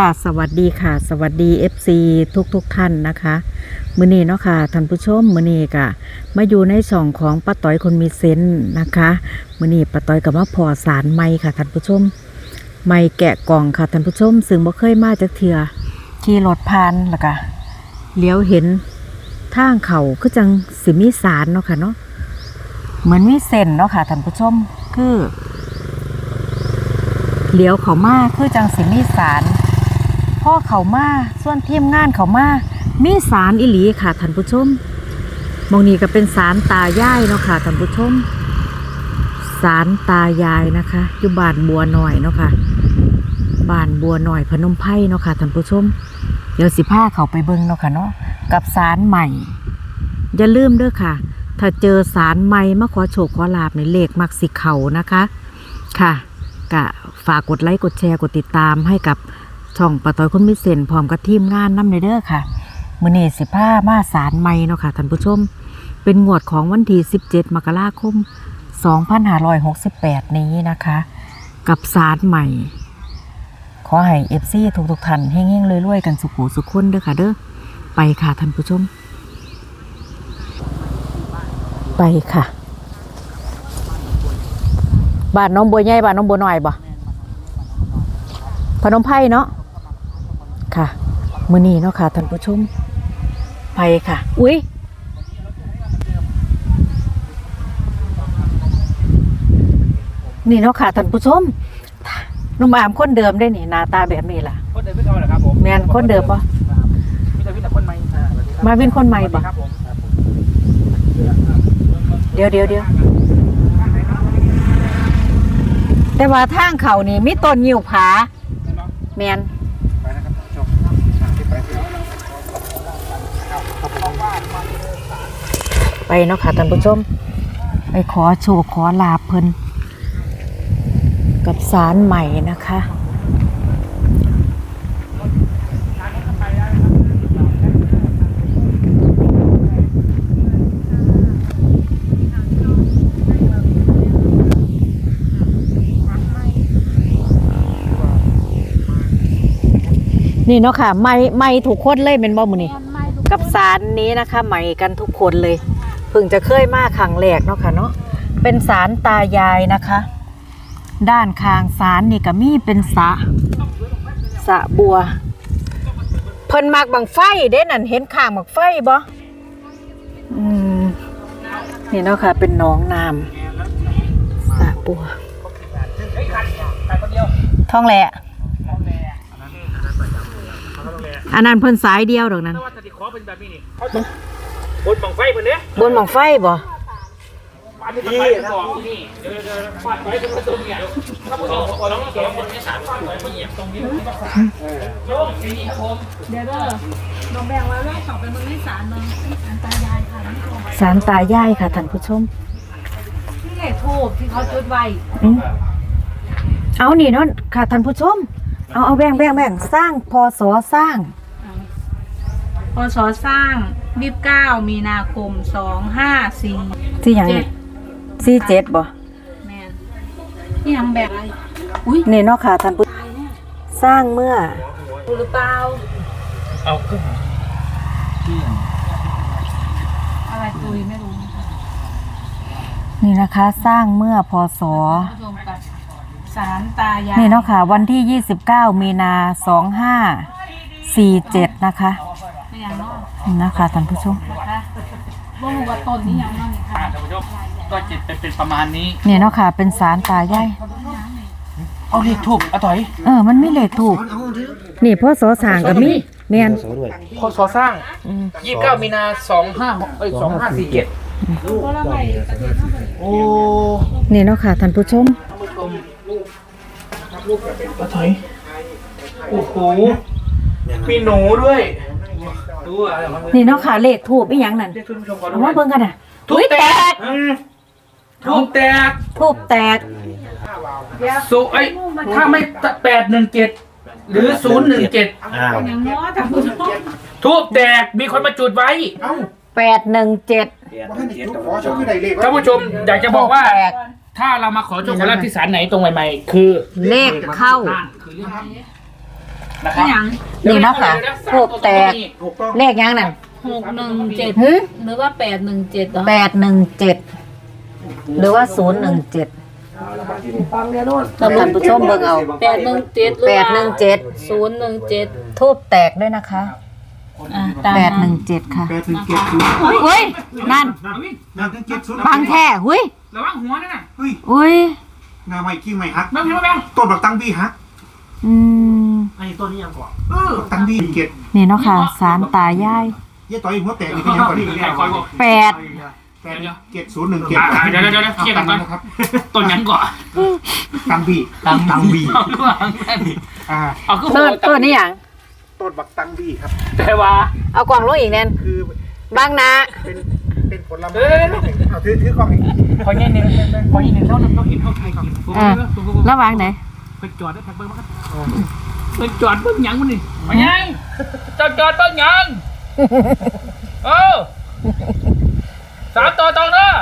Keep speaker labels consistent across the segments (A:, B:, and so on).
A: สวัสดีค่ะสวัสดี FC ทุกท่านนะคะมื้อนี้เนาะค่ะท่านผู้ชมมื้อนี้ก็มาอยู่ในช่องของป้าต้อยคนมีเซนส์นะคะมื้อนี้ป้าต้อยก็มาพอสารไม้ค่ะท่านผู้ชมไม้แกะกล่องค่ะท่านผู้ชมซึ่งบ่เคยมาจักเทื่อขี่รถผ่านแล้วก็เลี้ยวเห็นทางเขาคือจังสิมีสารเนาะค่ะเนาะเหมือนมีเส้นเนาะค่ะท่านผู้ชมคือเลี้ยวเขามาคือจังสิมีสารพ่อเขามาส่วนทีมงานเขามามีสารอิหลีค่ะท่านผู้ชมมองนี้ก็เป็นสารตายายเนาะค่ะท่านผู้ชมสารตายายนะคะอยู่บ้านบัวหน่อยเนาะค่ะบ้านบัวหน่อยพนมไพรเนาะค่ะท่านผู้ชมเดี๋ยวสิพาเขาไปเบิ่งเนาะค่ะเนาะกับสารใหม่อย่าลืมเด้อค่ะถ้าเจอสารใหม่มาขอโชคขอลาภในเลขมักสิเขานะคะค่ะก็ฝากกดไลค์กดแชร์กดติดตามให้กับช่องป้าต้อยคนมีเซนส์พร้อมกับทีมงานนำในเด้อค่ะมื้อนี้15มาสารใหม่เนาะค่ะท่านผู้ชมเป็นงวดของวันที่17มกราคม2568นี้นะคะกับสารใหม่ขอให้ FC ทุกท่านเฮงๆรวยๆกันสุขสุขคนเด้อค่ะเด้อไปค่ะท่านผู้ชมไปค่ะบ้านน้องบัวใหญ่บ้านน้องบัวน้อยบ่พนมไพรเนาะค่ะมื้อนี้เนาะค่ะท่านผู้ชมไปค่ะอุ๊ยนี่เนาะค่ะท่านผู้ชมน้องอามคนเดิมได้นี่หน้าตาแบบนี้ล่ะ
B: คนเดิมไม่เอาเหรอครับผม
A: แม่นคนเดิมบ่
B: มีแต่วินคนใหม่
A: มาวินคนใหม่บ่เดี๋ยวแต่ว่าทางเขานี่มีต้นงิ้วผาแม่นไปเนาะค่ะท่านผู้ชมไปขอโชคขอลาภเพิ่นกับศาลใหม่นะคะนี่เนาะค่ะไม่ถูกคนเลยเป็นบ่มื้อนี้กับศาลนี้นะคะใหม่กันทุกคนเลยเพิ่งจะเคยมาครั้งแรกเนาะค่ะเนาะเป็นศาลตายายนะคะด้านข้างศาลนี่ก็มีเป็นสระบัวเพิ่นมักบังไฟเด้นั่นเห็นข้างบังไฟบ่นี่เนาะค่ะเป็นหนองน้ำสระบัวท้องแหละอันนั้นเพิ่นสายเดียวดอกนั้น
B: บนบังไฟเพิ่นเด้
A: บนบังไฟบ่
B: นี่เดี๋ยวฟาดไว้ตรงประตูเนี่ยถ้าผู้ชมขอร้องเสียงคนที่3ฟาดไว้เหยียบตรงนี้โยมนี่ครับผม
C: เดี๋ยวน้องแบงว่าเรื่องสอบเป็นมือที่สารน้องสารตายายค่ะ
A: สารตายายค่ะท่านผู้ชม
C: นี่ไงทูบที่เขาจุดไว้
A: เอานี่เนาะค่ะท่านผู้ชมเอาแบ่งสร้างพศสร้าง
C: พศสร้าง29มีนาคม254
A: ที่ยัง47บ่
C: แม่นที่ยังแบบ
A: อุ้ยนี่เนาะค่ะท่านผู้สร้างเมื่อ
C: หรือเปล่า
B: เอาขึ้น
C: อะไรตุยไม่รู้
A: นี่นะคะสร้างเมื่อพศ
C: สารตายาย
A: นี่เนาะค่ะวันที่29มีนา2547นะคะนะคะท่านผู้ชม
C: ว่าหัวต้นนี้ยังนั่งค่ะ
B: ท่านผู้ชมก็จิตเป็นประมาณนี้
A: นี่เนาะค่ะเป็นสารตายาย
B: เอาเลขทูบเอาต่อย
A: มันมีเลขทูบนี่พศสร้างก็มีแม่น
B: พศสร้าง29มีนา2547โอ้
A: นี่เนาะค่ะท่านผู้ชม
B: เอาต่อยโอ้โหมีหนูด้วย
A: นี่เนาะค่ะเลขทูบอีหยังนั่นเอามาเบิ่งกันน่ะ
B: ทูบแตกทูบแตกสุไอ้ถ้าไม่817หรือ017
C: อย่างน้อยท่านผู้ชม
B: ทูบแตกมีคนมาจุดไว้
A: 817
B: ท่านผู้ชมอยากจะบอกว่าถ้าเรามาขอโชคขอลาภที่ศาลไหนตรงใหม่ๆคือ
A: เลขเข้า
B: นะครับ
C: อย่าง
A: นี่เนาะค่ะทูบแตก
D: ถูกต้อง
A: เลขยังนั่น
C: 617
A: หึ
C: หรือว่า817เหรอ
A: 817หรือว่า017ท่านผู้ชมเบิ่งเอา
C: 817หรือว่า
A: 817
C: 017
A: ทูบแตกด้วยนะคะ
C: ตามนั้น
A: 817ค่ะ
D: 817
A: เฮ้ยนั่น
D: นั่นถึง70
A: บางแท้หุ้ย
B: ระวังหัวนั่นน่ะ
D: เฮ้ย
A: อุ้ย
D: งาใหม่กิ้งใหม่ฮัก
B: แบงค์แบงค์
D: ต้นบักตังบี้ฮัก
A: อืม
D: อันนี้ต้นนี้ยังก่อนตังบี้เกต
A: นี่เนาะค่ะสารตายาย
D: ยี่ต่อยหัวแตกนี่เป็นยังก่อนนี่
A: 8
D: 8 701
B: เดี๋ยวเคลียร์กันก่อน
D: นะครับ
B: ต้นยังก่อน
D: ตังบี้ตังบี้
B: เอาขึ้นมา เอาขึ้น
A: ต้นนี้หยัง
D: ต้นบักตังบี้ครับ
B: แต่ว่า
A: เอากล่องลงอีกแน่น
D: คือบ
A: างนา
D: เป็นผลไม้เอาถือกล้องอีก
B: พอยี่หนึ่งเท่านั้นต้องเห็นเท่าไทยกิน
A: ระหว่างไหน
B: ไปจอดได้แพ็คเบิ้งมั้งไปจอดเบิ้งยังมันนี่ไปยังจอดเบิ้งยัง3 ตัวตรงเนาะ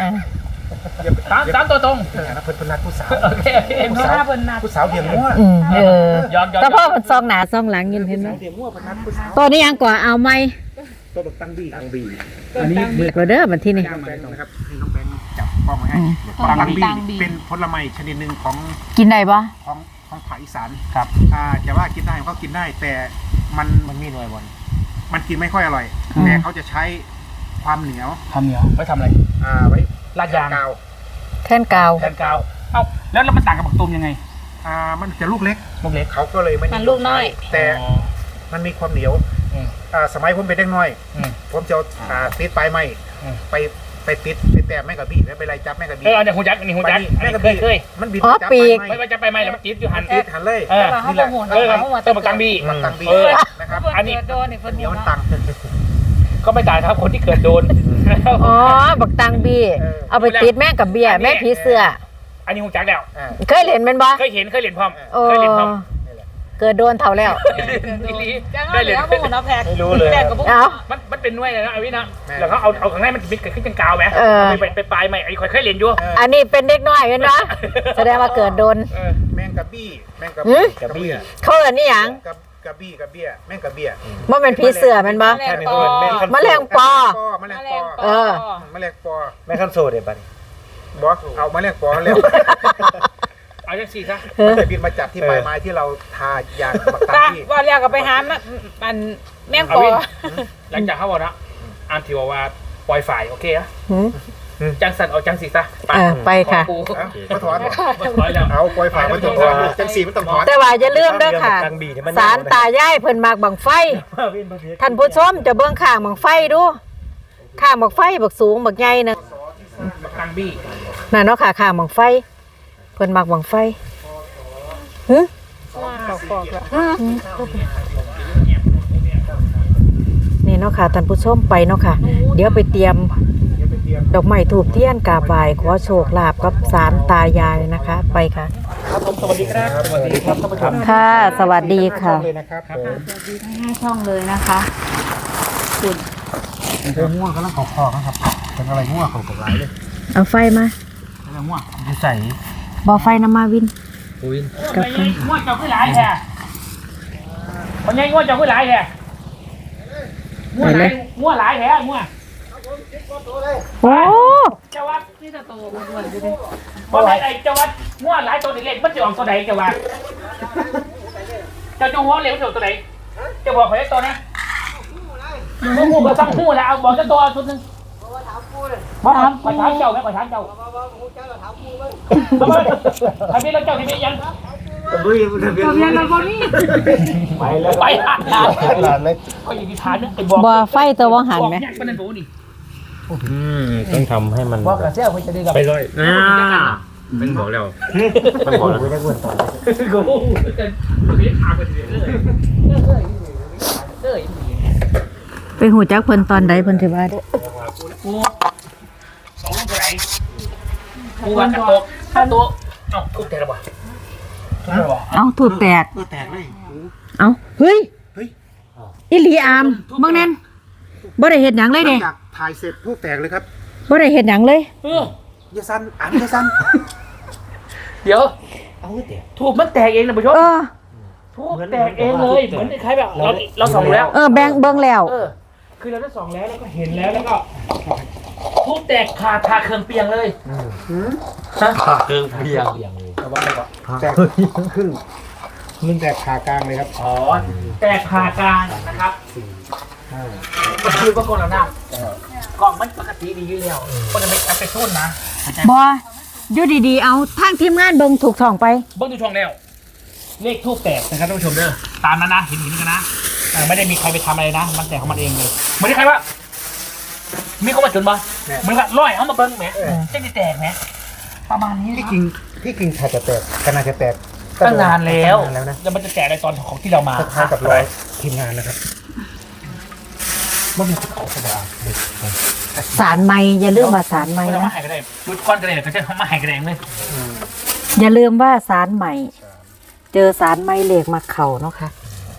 B: 3 ตัวตรง
D: นะเพิ่นนัดผู้สาว
B: โอเค
D: ผู้สาวเดียมมั่ว
B: ย้อน
A: แต่พ่อมันซองหนาซองหลังยินเห็นไหม
D: เดียมมั่วเพิ่นนัดผู้สาว
A: ตัวนี้ยังกว่าเอาไหม
D: ต้นบักตังบี้
B: อันนี้
A: มือก็เด้อมันที่นี่
D: น้องแบงค์นะครับให้น้องแบงค์จับกล้องไว้ให้ตังบี้เป็นผลไม้ชนิดหนึ่งของ
A: กินได้ปะ
D: ภาคอีสานครับจะว่ากินได้ก็กินได้แต่มันมีหน่วยบนมันกินไม่ค่อยอร่อย แต่เขาจะใช้ความเหนียว
B: ทำเหนียวไว้ทำอะไร
D: ไว้
B: ลาดยาง
D: กาว
A: แท่นกาว
B: แทนกาวเอ้าแล้วมันต่างกับบักตูมยังไง
D: มันจะลูกเล็ก
B: ลูกเล็ก
D: เขาก็เลยไม่
C: มันลูกน้อย
D: แต่มันมีความเหนียวสมัยผมเป็นเด็กน้อย ผมจะติดปลายไม้ไปติดไปแต้มแม่กระบี่แล้วไปไล่จับแม่กระบี่
B: อันนี้หูจักอันนี้หูจัก
D: แม่กระบี่
B: เคย
D: มันบิด
A: อ๋อ
D: จับ
A: ปี
D: ปลาย
A: ก
D: ไม้
B: ไม่ว่าจะไปไหมแล้วมันจี๊ดอยู่หัน
D: ติดหันเลย
C: นี่แหละ
B: เติมบักตังบี
D: มันตังบี้นะครับ
B: อันนี้
C: โดนนี่เพิ่น
D: เหนียว
C: เนาะ
D: ตัง
B: ก็ไม่ต่างครับคนที่เกิดโดน
A: อ๋อ บักตังบี้เอาไปติดแม่กับเบียร์แม่ผีเสื้อ
B: อันนี้หูจักแล้ว
A: เคยเห็นมันบ่
B: เคยเห็นพร้อม
A: โอ้
B: เคยเห็นพร้อม
A: เกิดโดนเท่าแล้ว
C: จังว่าเหลือหมู่เนาะแพก
B: ไม่รู้เลย
C: แพกกับพวก
A: เอา
B: มันเป็นน่วยเลยนะไอ้วินะแล้วเขาเอาข้างในมันมิดขึ้นเป็นกาวไหมไปปลายใหม่ไอ้เคยเรียนอยู่
A: อันนี้เป็นเด็กน้อยเห็นปะแสดงว่าเกิดโดน
D: แมงกะบี้กระบี้
A: เขาเอิ้นนี่หยัง
D: กระบี้กระเบี้ยแมงกระเบี้ย
A: ว่าเป็นผีเสื้อแมันบ่
C: แมลงปอ
A: แมลงปอ
D: แมลง
C: แมล
D: ปอง
C: ปอ
A: เออ
D: แมลงปอ
E: แม่ขั้นโซเดี๋ยวบัดนี้
D: บอกเอาแมลงปอเร็ว
B: เอาจังสี่ซะ
D: มันจะบินมาจับที่ปลายไม้ที่เราทายางบักตัง
C: ตา
D: ที่
C: ว่าแล้วก็ไปหามันแมง
B: เอา
C: ปอ
B: วินหลังจากเขาบอกนะอันที่ว่าปล่อยฝ่ายโอเคอะ
A: หืม
B: จังสันเอาจังสี่ซะ
A: ไปค่ะ
D: มาถอน
B: ถอยแล้ว
D: เอาปล่อยฝ่ายมันต้องถอนจังสีมันต้องถอน
A: แต่ว่าอย่าลืมเด้อค่ะ สารตายายเพิ่นมักบังไฟ ท่านผู้ชมจะเบิ่งข้างบังไฟดูข้างบังไฟบักสูงบักใหญ่นึง
B: บักตังบี้
A: นั่นเนาะค่ะข้างบังไฟ เพิ่นมักบังไฟหึนี่เนาะค่ะท่านผู้ชมไปเนาะค่ะ เดี๋ยวไปเตรียมดอกไม้ถูกเทียนกราบไหว้ขอโชคลาภกับศาลตายายนะคะ ไปค่ะ
B: ครับผมสวัสดีครับสวัสดีครับท่านผู้ชม
A: ค่ะ สวัสดีค่ะ
D: เลยนะครับผม
C: ให้ช่องเลยนะคะ
D: เป็นง่วงกำลังขอนะครับเป็นอะไรง่วงเขากับไรเลย
A: เอาไฟมา
B: อะไรง่วง
E: อยู่ใส่
A: บ่ไฟน้ำมาวิน
E: วิน
A: กับไฟ
B: ง่วงเจ้าขึ้นหลายแท้คนนี้ง่วงเจ้าขึ้นหลายแท้ง่วงหลายแท้ง่วง
A: โอ้
B: เจ้าวัด
C: นี่จะโตอ้วนๆอยู่ดิ
B: คนไหนเจ้าวัดง่วงหลายตัวเล็กมันจะออกตัวไหนเจ้าวัดเจ้าจงหัวเหลวตัวไหนจะบอกเขาได้ตัวนะหูก็ซ้ำหูแล้วเอาบอกจะตัวชุดนึงมาถามเจ้าไหมมาถามเจ้าทะเบียนแล้วเจ้าทะเบียนยัง
C: ทะเบียนรถบ่มี
B: ไปแล้วไปหา
E: หลานเลย
B: ก็อยู่ที่ฐานนึงไอ้บอก
A: บ่ไฟตัวบ่หันไหม
B: บอกเนี่ยเป็นนี่
E: ต้องทำให้มัน
B: บอกกระเซียวคุณจะได้กับ
E: ไปเลยเป็นบอกแล้วเป็นบอกแล้วไม่ได้เว้นต่อ
B: กูจะถามกันเลย
A: ไปหูจักเพิ่นตอนใดเพิ่นถือว่า
B: กูสองตัวไหนกูว่ากระโตกกระโตกเอ้าทุบแต่ละบ่ทุบแต่ละบ่
A: เอ้าถูกแตก
D: แตกเลย
A: เอ้าเฮ้ยอีหลีอามเบิ่งแน่นบ่ได้เฮ็ดหยังเลยเด้
D: จากถ่ายเสร็จผู้แตกเลยครับ
A: บ่ได้เฮ็ดหยังเลย
D: ยาซันยาซัน
B: เดี๋ยวถูกมันแตกเองนะผู้ชม
A: เออ
B: ทูบแตกเองเลยเหมือนคล้ายๆแบบเราส่องแล้ว
A: แบงเบิ่งแล้ว
B: คือเราได้ส่องแล้วแล้วก็เห็นแล้วก็ทูบแตกคาเครื่องเปียงเลยฮะ
E: เครื่องเพียง
D: แตกครึ่งมึงแตกขากลางเลยครับ
B: อ๋อแตกคากลางนะครับมันคือว่าคนเราหน้ากล่องมันปกติดีอยู่แล้วคนจะไปทุ่นนะ
A: บ่อยู่ดีๆเอาทางทีมงานเบิ่งถูกช่องไป
B: เบิ้งดูช่องแล้วเลขทูบแตกนะครับท่านผู้ชมเด้อตามนั้นนะเห็นกันนะไม่ได้มีใครไปทำอะไรนะมันแตกของมันเองเลยเหมือนที่ใครว่ามีคนมาจุนบ่เหมือนกับร้อยเอามาเบิ้งแหมจะได้แตกไหมประมาณนี้
D: ที่จริงถ้าจะแตกก็น่าจะแตก
B: ตั้งนานแล้ว
D: ตั้งนานแล้วนะ
B: แล้วมันจะแตกในตอนของที่เรามา
D: คล้ายๆกับรอยทีมงานนะครับ
B: มันมีเขาสบาย
A: สารใหม่อย่าลืมว่าสารใหม่
B: ไม่ต้อง
A: นะ
B: มาหายกันเลยชุดคอนกันเลยก็จะมาหายกันเองเลย
A: อย่าลืมว่าสารใหม่ เจอสารใหม่เหล็กมาเข่าเนาะค่ะ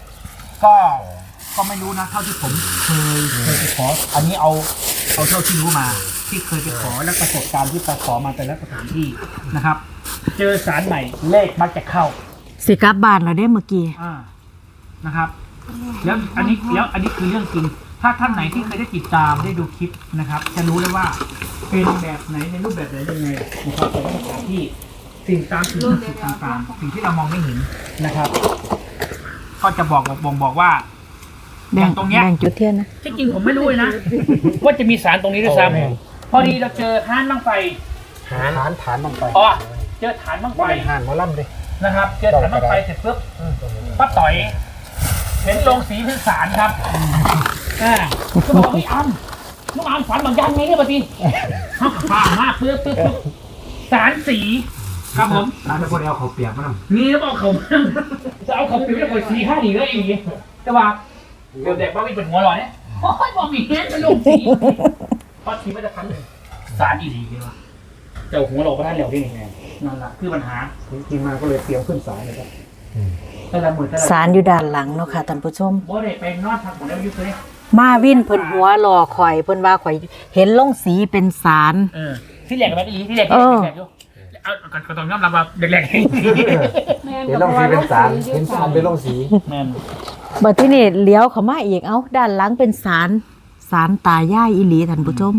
B: ก็ไม่รู้นะเท่าที่ผมเคยไปขออันนี้เอาเท่าที่รู้มาที่เคยไปขอและประสบการณ์ที่ไปขอมาแต่ละสถานที่นะครับ เจอสารใหม่เลขมักจะเข้า
A: สิกลับบ้านแล้วได้เมื่อกี้
B: นะครับแล้วอันนี้คือเรื่องจริงถ้าท่านไหนที่เคยได้ติดตามได้ดูคลิปนะครับ จะรู้เลยว่าเป็นแบบไหนในรูปแบบไหนยังไงนะครับแต่ละสถานที่สิ่งตามสิ่งต่างๆสิ่งที่เรามองไม่เห็นนะครับ ก็จะบอกว่าอย่างตรงเนี้ย
A: แบ่งจุดเทียนนะ
B: ที่จริงผมไม่รู้เลยนะ ว่าจะมีสารตรงนี้ด้วยซ้ำพอดีเราเจอห้านบั้งไฟ
D: ฐานลงไป
B: อ๋อเจอฐานบั้งไฟ
D: หานหมอลำเลย
B: นะครับ เจอฐานบั้งไฟเสร็จปุ๊บป้าต่อยเห็นโรงสีเป็นสารครับก็บอกว่าพี่อ้ำน้องอ้ำฝันบางยันไงเนี่ยปะทีเขาฟ้ามากปึ๊บสารสีครับผม
E: ร้านไม่ควรเอาเขาเปียกมาท
B: นี่แล้วบอกเขาจะเอาเขาปิดแล้วคนสีห้าดีก็อีกแต่ว่าเดี๋ยวเด็กบ้าวิ่งเป็นหัวลอยเนี่ยโอ้ยบอกมีเงี้ยเป็นโรงสีพอทีไม่จะทันสารอีดีเลยวะเจ้าหัวเราก็ได้เหลวได้ยังไงนั่นแหละคือปัญหา
D: ทีมงานก็เลยเตรียมขึ้นสายเลยครับ
B: แต่ละหมื่นแต่ละ
A: สารอยู่ด้านหลังเนาะค่ะท่านผู้ชม
B: บ่ได้ไปนอนพักผ่อนแล้วยุคเลย
A: มาวินเพิ่นหัวหล่อข่อยเพิ่นว่าข่อยเห็นลงสีเป็นสาร
B: ที่แหลกแบบนี้ที่แหลกอยู่เอาก็ต้องยอมรับว่าแหลก
E: ำเห็นลงสีเป็นสารเห็นสารเป็นลงสี
B: แม่น
A: บัดที่นี่เลี้ยวเข้ามาอีกเอ้าด้านหลังเป็นสารตายายอีหลีท่านผู้ชม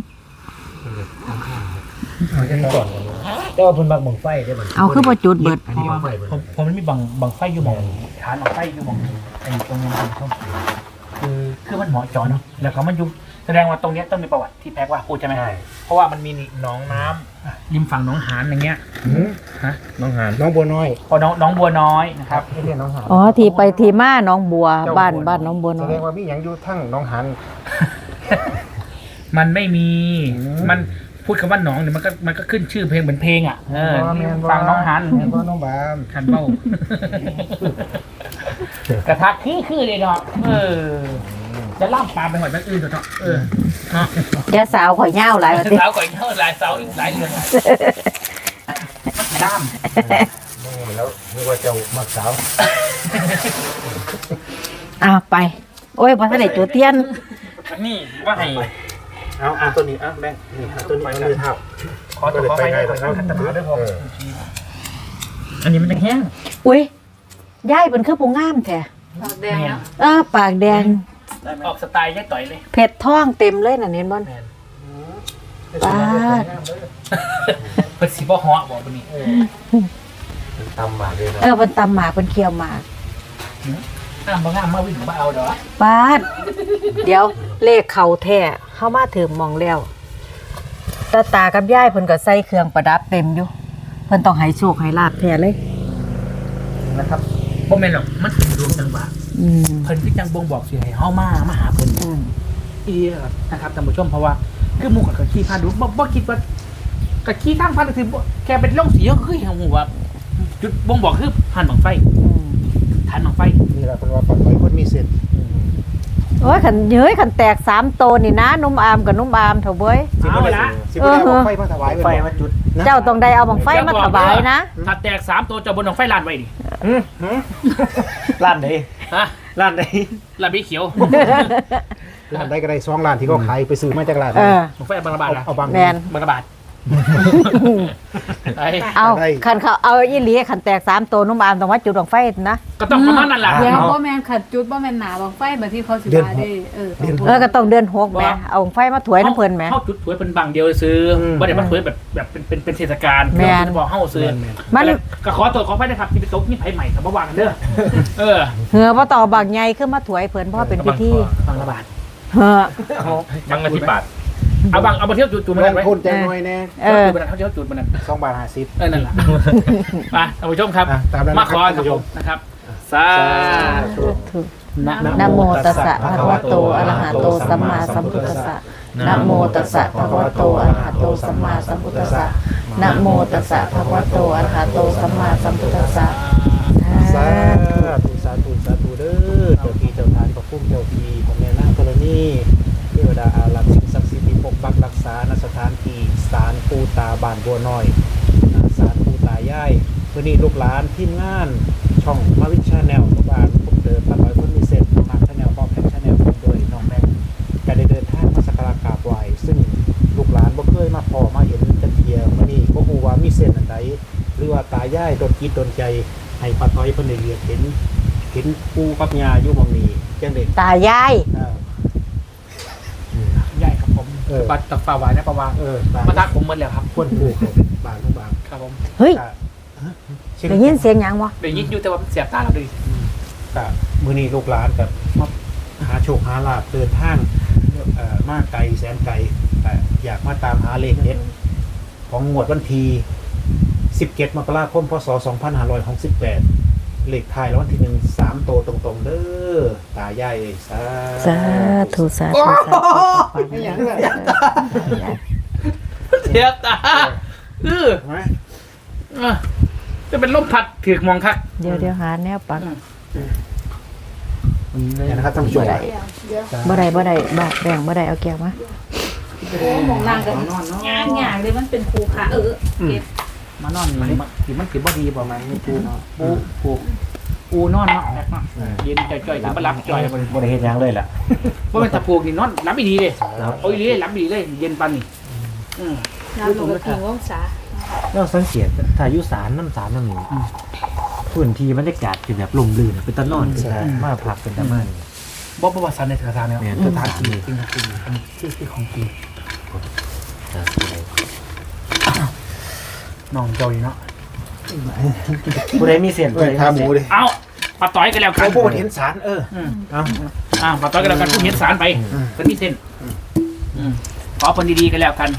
E: แต่ว่าเพิ่นมักบังไฟได้บ่
A: เอาคือบ่จุดเบิด
E: อันนี้บังไฟเพิ่น
B: พอมันมีบังไฟอยู่มองฐานบังไฟอยู่มองไอ้ตรงนี้คือมันเหมาะจอเนาะแล้วก็มันอยู่แสดงว่าตรงนี้ต้องมีประวัติที่แพ็กว่าพูดใช่ไหมเพราะว่ามันมีหนองน้ำริมฝั่งหนองหานอย่างเงี้ยฮะ
E: น้องหาน
D: น้องบัวน้อย
B: พอน้องบัวน้อยนะครับ
D: ไม่ใช่น้องหาน
A: อ๋อที่ไปที่มาหน้องบัวบ้านน้องบัวน้
D: แส
A: อ
D: ด
A: ย
D: งว่ามีอย่างอยู่ทั้งน้องหาน
B: มันไม่มีมันพูดคำว่าหนองเนี่ยมันก็ขึ้นชื่อเพลงเหมือนเพลงอ่ะฝั่งน้องหาน
D: แม่นบ่น้องบาม
B: คันเบ้ากระทะคือเลยเนาะจะล่ามปลาไปหอยแม่อื่นเถอะเนาะเนาะ
A: แกสาวข่อยยาวหลายว่าติ
B: สาวก่อยเท่าหลายสาวอีกหลายเดือนล่าม
E: แล้วนึกว่าเจ้ามักสาว
A: ไปโอ้ยบ่ทันได้จุดเทียน
B: นี่ว่าให้
D: เอาตัวนี้แม่นี่ตัวนี้เอาเลยเท้า
B: ขอตัวขอไปขอขัดตาด้วยพออันนี้มันจะแห้ง
A: อุ้ยยายเพิ่นคือผู้งามแท้
C: แดงนะ
A: ปากแดง
B: ออกสไตล์ย่ต่อยเลย
A: เผ็ดท้องเต็มเลยน่ะเห็นบ่ปาด
B: เปิดสีบ่ฮอบอกตัวนี้
E: ตำมาเลยนะ
A: เพิ่นตำหมากเพิ่นเคี่ยวหมาก
B: บางงามมาวิ่งมาเอาเด้อ
A: ปาดเดี๋ยวเลขเข่าแท้เข้ามาถึงมองแล้วตากับยายเพิ่นก็ใส่เครื่องประดับเต็มอยู่เพิ่นต้องให้โชคให้ลาบแท้เลย
B: นะครับบ่แม่นหรอกมันเป็นดวงจังหวะ
A: อืม
B: เพิ่นคือจังบ่งบอกสิให้เฮามาหาเพิ่น
A: อืม
B: นะครับท่านผู้ชมเพราะว่าคือหมู่กับขี้พาดูบ่คิดว่ากับขี้ทางพันคือแค่เป็นล่องสีก็คือเห็นหมู่ว่าจุดบ่งบอกคือหันบังไฟ
A: อืม
B: ฐานบังไฟ
D: นี่แหละเป็นว่าปัดไว้คนมีเส้น
A: โอ้ยขันแตก3โตนี่นะนุ่มอามกับนุ่มอามเถอะเว้ย
B: เอาละ
D: สิบ่ได้เอาไฟมาถวาย
E: ไฟมาจุด
A: เจ้าต้องได้เอาบังไฟมาถวายนะ
B: ถ้าแตก3ตัวจะบนบังไฟลานไว้ดิ
E: ร้านใด
B: ฮะ
E: ร้านใด
B: ลานพี่เขียว
D: ร้านใดก็ได้2ล้านที่เขาขายไปซื้อมาจากร้าน
A: เออ
B: บังไฟบางระบาดนะ
D: เอาบาง
A: แมน
B: บางระบาดไอ้
A: เอาคันเขาเอาอีหลีคันแตก3ตัวนุ่มอามต้องว่าจุดดวงไฟนะ
B: ก็ต้องประมาณนั้นแหละ
C: เดี๋ยวบ่แม่นขัดจุดบ่แม่นหนาบางไฟแบบที่เขาสิว่าได้
A: ก็ต้องเดือน6แหมเอาไฟมาถวยน้ำเพิ่นแหม
B: เข้าจุดถวยเป็นบางเดียวซื้อไม่ได้มาถวยแบบเป็นเทศกาล
A: แม่น
B: บอกเข้าซื้อ
A: มัน
B: ก็ขอตัวขอไปนะครับที่ไปตกนี่ไผ่ใหม่กับวางกันเด้อเออ
A: เหือบ่ต่อบางใหญ่คือมาถวยเพิ่นเพราะว่าเป็นพิธี
B: บางระบาด
A: เหือ
E: ยังละ10 บาท
B: เอามาเที่ยวจุดมัน
D: ล
B: นั่
D: ง
B: นไว้
D: ทุนแจ้งหน่อยแน่
B: จุดมันนั่นเขาเที่ยวจุดมันนั่น
D: 2 บาท 50
B: นั่นแหละมาท่านผู้ชมครับ
D: ตามนั้น
B: มาขอ
D: ท่านผู้ชม
B: นะครับสาธุ
A: นะโมตัสสะภะคะวะโตอะระหะโตสัมมาสัมพุทธัสสะนะโมตัสสะภะคะวะโตอะระหะโตสัมมาสัมพุทธัสสะนะโมตัสสะภะคะวะโตอะระหะโตสัมมาสัมพุทธัสสะ
D: สาธุสาธุสาธุเด้อเจ้าที่เจ้าทานพระพุ่มเจ้าที่ของแม่นางธรณีเทวดาอารักษ์สิ่งศักดิ์สิทธิ์ที่ปกปักรักษาณสถานที่ศาลปู่ตาบ้านบัวน้อยศาลปู่ตายายมื้อนี้ลูกหลานทีมงานช่องมาวินชาแนลลูกหลานผมเดินตลอดคนมีเส้นมาชาแนลบอมแพ็คชาแนลโดยน้องแม็กก็ได้เดินทางมาสักการะกราบไหว้ซึ่งลูกหลานบ่เคยมาพอมาเห็นจักเที่ยมื้อนี้บ่ฮู้ว่ามีเส้นอันใดหรือว่าตายายดนจิตดนใจให้ป้าต้อยเพิ่นได้เรียนเห็นปู่กับย่าอยู่หม่องนี้จังได๋
A: ตายาย
B: ใหญ่ครับผมปัดตักปลาหวานนะปลาวางมาทักผมหมดแล้วครับ
D: ควรปลูกบางบาง
B: ครับผม
A: เฮ้ยได้ยินเสียงหยังวะ
B: เดี๋ยวยิงอยู่แต่ว่าเสียบตาเราดิ
D: ก็มื้อนี้ลูกหลานกับมาหาโชคหาลาภเดินทางมาไกลแสนไกลอยากมาตามหาเลขเด็ดของงวดวันที่17 มกราคม พศ 2568 เลขท้ายรางวัลที่1 3 โตวตรงๆเด้อตายายสา
A: สาธุสาธุสาธุ
B: เสียบตาจะเป็นลมพัดถือมองคัก
A: เดี๋ยวหาแนวปัก
D: เนี่ยนะครับท่านผู้ชม
A: บ่ได้บ่แบ่งบ่ได้เอาแก้วมา
C: โอ้หมองนางกันง่ายๆเลยมันเป็นภูเขาเก็บ
B: มานอนนี่มันถือบ่ดีบ่ไหมปูเนาะปูนอนเนาะแบบเนาะเย็นจ่อยๆมารับจ่อย
E: บ่ได้เฮ็ดหยังเลยล่ะ
B: ว่าเป็นตะปูนี่นอนรับดีเลยโอ้ยเลยรับดีเลยเย็นปันนี่
C: น้ำลงกระถิ่งองศา
E: เราสังเกตถ้าอยู่ศาลน้ำศาลนั่นนี่พื้นที่บรรยากาศเป็นแบบลมลื่นเป็นตะนอนมาพักเป็นตะมัน
B: บ่ประวัติศาสตร์ในสถานเนี่ย
E: เนี่ย
B: ส
E: ส
B: ถา
E: ถาน น
B: ที่
E: ที่
B: จริงที่ของจริงน้องเจ้านี่เนาะ
E: ผู้ใดมีเส้นผู้ใด
D: ขาหมูดิ
B: เอาปลาต้อยกันแล้วกั
D: เขา
B: น
D: พูดเห็นสารเอา
B: ปลาต้อยกันแล้วกันผู้เห็นสารไปก็มีเส้นขอคนดีๆกันแล้วกัน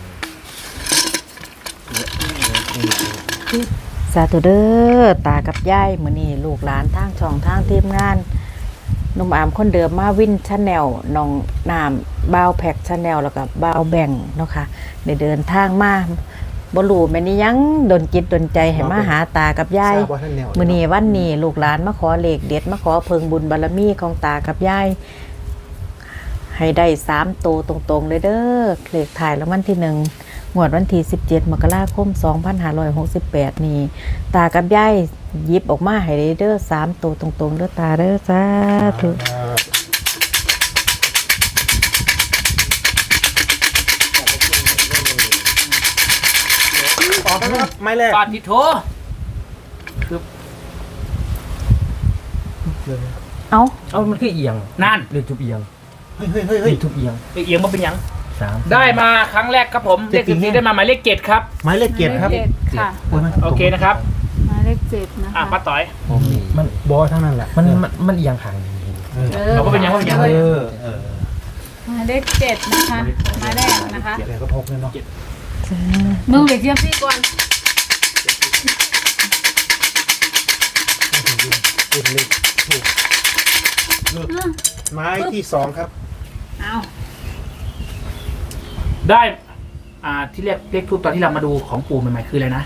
A: สาธุเด้อตากับยายมื้อนี้ลูกหลานทางช่องทางทีมงานหนุ่มอามคนเดิมมาวินชาแนลน้องน้ำบ่าวแพ็กชาแนลแล้วก็บ่าวแบ่งเนาะค่ะได้เดินทางมาบ่รู้แม่นยังดนจิตดนใจให้มาหาตากับยายมื้อนี้วันนี้ลูกหลานมาขอเลขเด็ดมาขอเพิงบุญบารมีของตากับยายให้ได้3โตวตรงๆเลยเด้อเลขถ่ายรางวัลที่1งวดวันที่17 มกราคม 2568 นี้ตากับยายหยิบออกมาให้ได้เด้อ3โตวตรงๆเด้อตาเด้อสาธุ
D: ออกนะครับไม้แรก
B: ปาติโถ
A: เอา
E: เอามันคือเอียง
B: นั่น
E: เรียกทุบเอียง
D: เฮ้ย
E: เรียกทุบเอียง
B: ไปเอียงมาเป็นยัง
E: 3
B: ได้มาครั้งแรกครับผมเลข14ได้มาหมายเลข7ครับ
D: ไม้เลขเกียรติครับ
C: ค่ะ
B: โอเคนะครับ
C: หมายเลข7นะคะ
B: ป้าต้อย
E: มัน
D: บอทั้งนั้นแหละ
E: มันเอียงข้างนี้
B: เราก็เป็นยังว่าเป็นยัง
C: หมายเลข7นะคะหมายแรกนะคะ
D: เดี๋ยวก็พกเลยเนาะ
C: มึงไปเทียบซี่ก่อน
D: ไม้ที่2ครับ
C: เอา
B: ได้ที่เรียกเลขทูปตอนที่เรามาดูของปู่ใหม่ๆคืออะไรนะ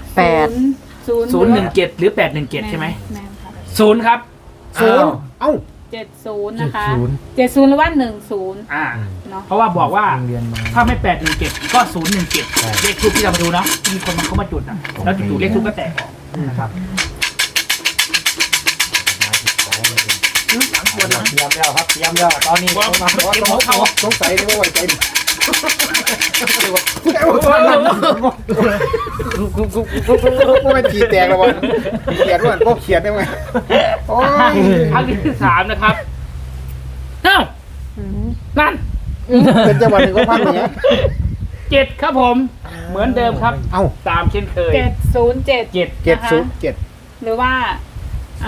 B: 017หรือ817ใช่ไหม
C: แม่นค่ะ
B: 0ครับ
D: เอ้า
C: 70นะคะ70หรือว่า10เนาะ
B: เพราะว่าบอกว่า
E: โรงเรียนมา
B: ถ้าไม่817ก็017เลขทูปที่เรามาดูเนาะที่มีคนมาเข้ามาจุดนะแล้วจู่ๆเลขทูปก็แตกออกนะครับ
D: เตรียมแล้วครับเตรียมแล้วตอนนี้ต้องมาสงสัยได้ว่าไว้ใจกูไม่ขีดแตกแล้ววะเขียนว่าพวกเขียนได้ไหมโอ้ย
B: ครั้งที่3นะครับเอ้านั่น
D: เป็นจังหวะหนึ่งก็พังอย่างเงี้ย
B: 7ครับผม เหมือนเดิมครับ
D: เอ้า
B: ตามเช่นเคย
C: 707
B: 7
D: 707
C: หรือว่าเอา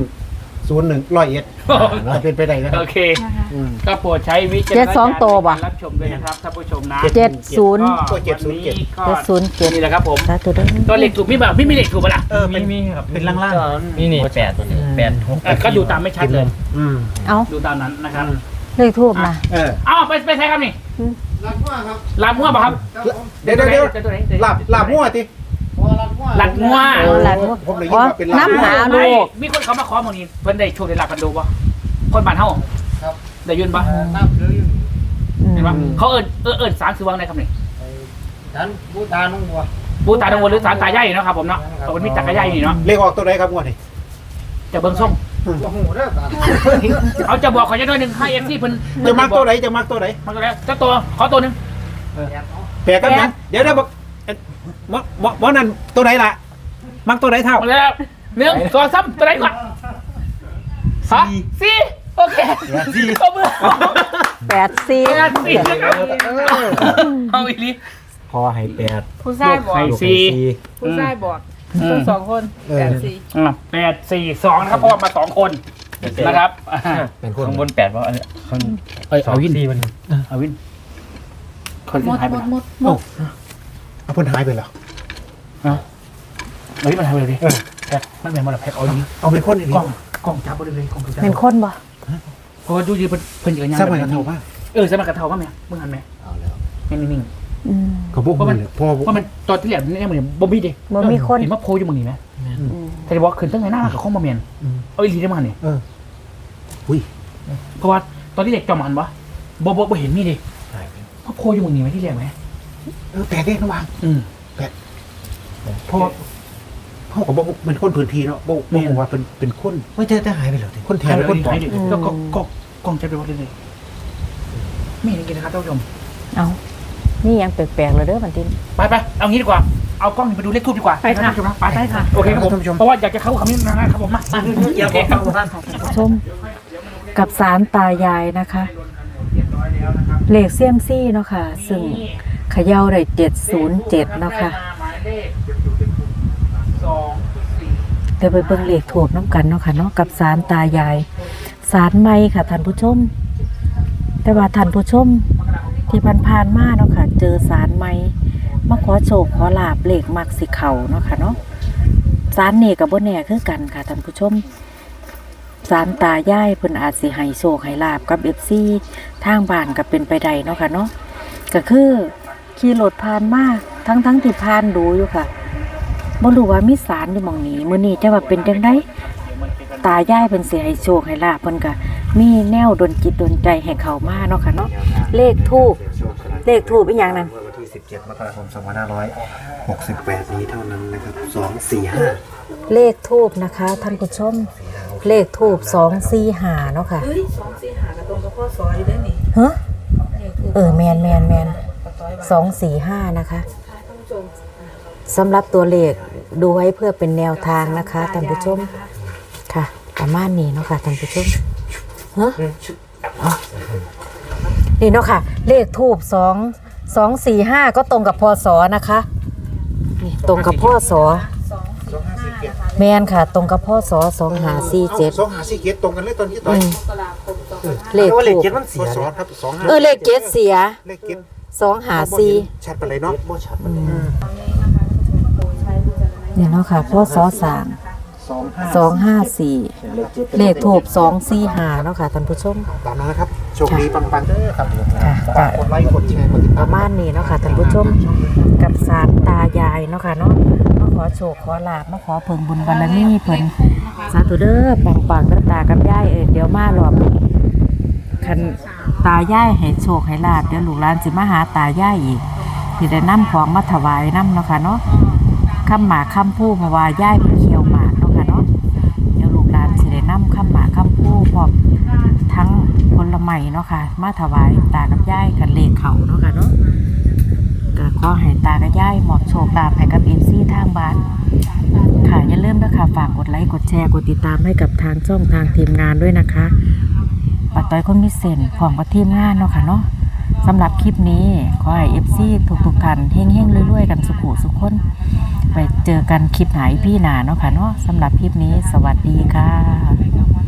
D: 101จะเป็นไปได้นะครั
B: โอบ เค
C: นะคะ
B: ก็โปรดใช้วิจารณญาณ
A: 72ตัวบ่
B: ในการรับชมด้วยนะครับท่านผู้ชมนะ
A: 70
B: ก็วันนี้ก็
A: 707
B: นี่แหละครับผม
A: สาธุเด้อ
B: ตัวเหล็กถูกไม่มีเหล็กถูกปะล่ะ
E: มีครับ
D: เป็นล่าง
E: นี่นี่8ตัวนี้8 6
B: ก็ดูตามไม่ชัดเลย
D: ๆอืม
A: เอา
B: ดูตามนั้นนะครับ
A: เลขทูบนะ
B: อ้าวไปใช้ครับนี่ลาบมั่วป่ะครับ
D: เดี๋ยวลาบมั่วติ
B: หลักมั่ว
A: หลาน
D: ผมเลยยินว่าเป็นลาบ
A: น้ำหาลูก
B: มีคนเขามาขอหมองนี้เพิ่นได้โชว์ได้หลักกันดูป่ะคนบ้านเฮาได้ยืนป่ะเห็นป่ะเขาเอิญสารคือวางไหนครับนี่ บูตาดงวัวหรือสารตายายเนาะครับผมเนาะเอาเป็นมิตรตายายนี่เนาะ
D: เลขออกตัวไหนครับงวดนี้
B: จะเบิ่งส่งเอาจะบอกขอจะด้วยหนึ่งให้เอฟซีเพิ่น
D: จะมักตัวไหนจะมักตัวไหน
B: มาตัวแล้วเจ้าตัวขอตัวหนึ่ง
D: แปลกกันยังเดี๋ยวบอกหมอนั่นตัวไหนล่ะมักตัวไหนเท่า
B: มาแล้วหนึ่งตัวซ้ำตัวไหนก่อนฮะสี่โอเคสี่ตัวมือ
A: 84
B: สี่นะครับเอาอีลี
E: พอให้8
C: ผู้ชายบอก
B: สี่
C: ผู้ชายบอกทั้งสองคน84
B: 8-4-2นะครับเพราะว่ามา2คนนะครับ
E: เป็นคนข้างบน8ว่าอันนี้ข้าง
B: เอาวิน
E: มัน
B: เอาวินคน
C: หม
B: ที่
C: ด
B: หายไป
C: หมดหมด
D: เอาเพิ่นหายไปแล้ว
B: เฮ้ยมันหายไปเลยดิแพ็คมันเป็นมันแพ็คเอาดิ
D: เอาเป็นคนอีก
B: กล้องจับไปเลยกล้องจับ
A: เป็นคนบ่
B: เพราะว่าดูดีเพิ่นอย่างนี้
D: สมัยกันเท่าป่ะ
B: สมัยกันเท่าป่ะแม่มึงหันไหมนิ่ง
A: อืม
D: เขาพวกมึงเลยพ่อ
B: ๆว่ามันตอนที่แหลมนี่มันบ่มีดิ
A: บ่มีคน
B: เห็นว่าโพอยู่มึงนี่ไหมแต่บอกขึ้นตั้งไงหน้ากับข้องมาเมียนเอาอีลีได้มาเนี่ย
D: อุ้ย
B: เพราะว่าตอนที่เด็กจอมหันวะบ่เห็นมีดิว่าโพอยู่มึงนี่ไหมที่แหลมไหม
D: แปลกเด้ระวังพ่อกับบอกเป็นคนพื้นที่เนาะบอกว่าเป็นคน
E: ไม่จะหายไปแล้ว
D: คนแท
B: แท
D: น
B: น
D: คนปลอม
B: แล้วก็กล้องจับไปวัดเลยไม่เห็นกินนะครับท่านผู้ชม
A: เอานี่ยังแปลกๆเลยเด้อบันทิน
B: ไปเอางี้ดีกว่าเอากล้องไปดูเลขทูบดีกว่าไปค่ะโอเคครับผมเพราะว่าอยากจะเข้าคำนี้นะครับผมมาโอเคครับ
A: ชมกับสารตายายนะคะ เลขเซียมซี่เนาะค่ะ ซึ่งเขย่าได้707เนาะค่ะเดี๋ยวไปเบิ่งเลขถูกน้ำกันเนาะค่ะเนาะกับสารตายายสารไม้ค่ะท่านผู้ชม แต่ว่าท่านผู้ชมที่ผ่านๆมาเนาะค่ะ เจอสารไม้มาขอโชคขอลาบเลขมักสิเข่าเนาะค่ะเนาะสารนี่กับบ่แน่คือกันค่ะท่านผู้ชมสารตายายเพิ่นอาจสิให้โชคให้ลาบกับ FC ทางบ้านก็เป็นไปได้เนาะค่ะเนาะก็คือขี่รถผ่านมาทั้งที่ผ่านดูอยู่ค่ะบ่รู้ว่ามีสารอยู่หม่องนี้มื้อนี้จะว่าเป็นจังไดตายายเพิ่นสิให้โชคให้ลาบเพิ่นก็มีแนวดลจิตดลใจให้เข้ามาเนาะค่ะเนาะเลขทูปอีหยังนั่น
D: วันที่17มกราคม2568นี้เท่านั้นนะครับ245
A: เลขทูบนะคะท่านผู้ชมเลขทูบ245เนาะค่ะ
C: เฮ้ย245กับตรงกับพ่อสออยู่ได้นี่
A: ฮะแมน245นะคะสำหรับตัวเลขดูไว้เพื่อเป็นแนวทางนะคะท่านผู้ชมค่ะประมาณนี้เนาะค่ะท่านผู้ชมฮะนี่เนาะค่ะ เลขทูบ245ก็ตรงกับพศนะคะนี่ตรงกับพศแมนค่ะ ตรงกับพศ2547
D: 2547ตรงกันเลยตอนนี้ตอน
A: เลข
E: ว่าเลข
A: ทูบ
E: 7มันเสีย
D: สอนครับ25
A: เลขเจ็ดเสีย
D: เลขเก็บ
A: 254
D: ชัดไปเลยเนาะบ่ชัด
A: เนี่ยเนาะค่ะพ่อสอ254เลขทูบ245เนาะค่ะท่านผู้ชม
D: ตามนั้นนะครับโชคดีปังๆเด้อครับ
A: ค่ะ
D: ฝากกดไลค์กดแชร์กดติด
A: ป
D: ตาม
A: ระมาณนี้เนาะค่ะท่านผู้ชมกับศาลตายายเนาะค่ะเนาะมาขอโชคขอลาบมาขอเพิ่งบุญบารมีเพิ่นสาธุเด้อปังๆเด้อตากับยายเดี๋ยวมารอบนี้คันตายายให้โชคให้ลาบเดี๋ยวลูกหลานสิมาหาตายายอีกที่ได้นำของมาถวายนำเนาะค่ะเนาะคำหมากคำพูเพราะว่ายายเพิ่นเคี่ยวหมากเนาะค่ะเนาะเดี๋ยวลูกหลานสิได้นำคำหมากคำพูพร้อมทั้งผลไม้ม่เนาะค่ะมาถวายตากับยายกันเลขเขาเนาะค่ะเนาะก็ขอให้ตากับยายหมอบโชคลาภให้กับ FC ทางบ้านค่ะอย่าลืมนะคะฝากกดไลค์กดแชร์กดติดตามให้กับทางช่องทางทีมงานด้วยนะคะป้าต้อยคนมีเส้นพร้อมกับทีมงานเนาะค่ะเนาะสำหรับคลิปนี้ขอให้ FC ทุกท่านเฮงๆรวยๆกันสุขุสุขคนไปเจอกันคลิปไหนพี่หนาเนาะค่ะเนาะสำหรับคลิปนี้สวัสดีค่ะ